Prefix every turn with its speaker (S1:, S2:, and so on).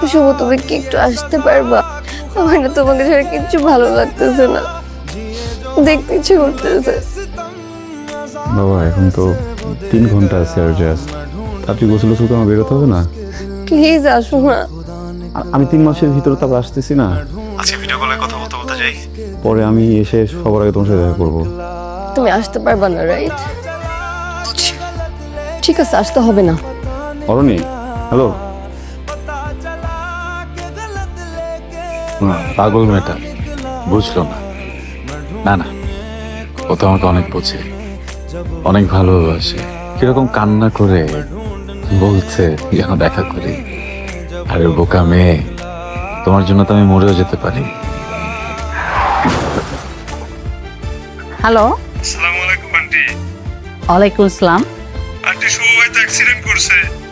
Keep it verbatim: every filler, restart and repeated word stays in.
S1: শুভ তুমি কি একটু আসতে পারবা? আমার না তোমাকে ছাড়া কিচ্ছু ভালো লাগতেছে না, দেখতে ইচ্ছে করতেছে।
S2: বাবা এখন তো তিন ঘন্টা আছে আর জাস্ট, আপনি গোসল গোসল করে আমার বেরোতে হবে না?
S1: প্লিজ আসো না।
S2: আ- আমি তিন মাসের ভিতরে তারপর আসতেছি না। আজকে ভিডিও কলে কথা বলতে বলতে যাই, পরে আমি এসে সবার আগে তোমার সাথে দেখা করবো।
S1: তুমি আসতে পারবা না, রাইট? ঠিক আছে, আসতে হবে না।
S2: অরণি, হ্যালো।
S3: পাগল মেয়েটা বুঝলো না। না না, ও তো আমাকে অনেক বোঝে, অনেক ভালোবাসে। কিরকম কান্না করে বলছে যেন দেখা করি। আরে বোকা মেয়ে, তোমার জন্য তো আমি মরেও যেতে পারি।
S4: হ্যালো,
S5: আসসালামু আলাইকুম আন্টি।
S4: ওয়ালাইকুম আসসালাম।
S5: আন্টি শুভ হয়তো অ্যাক্সিডেন্ট করছে।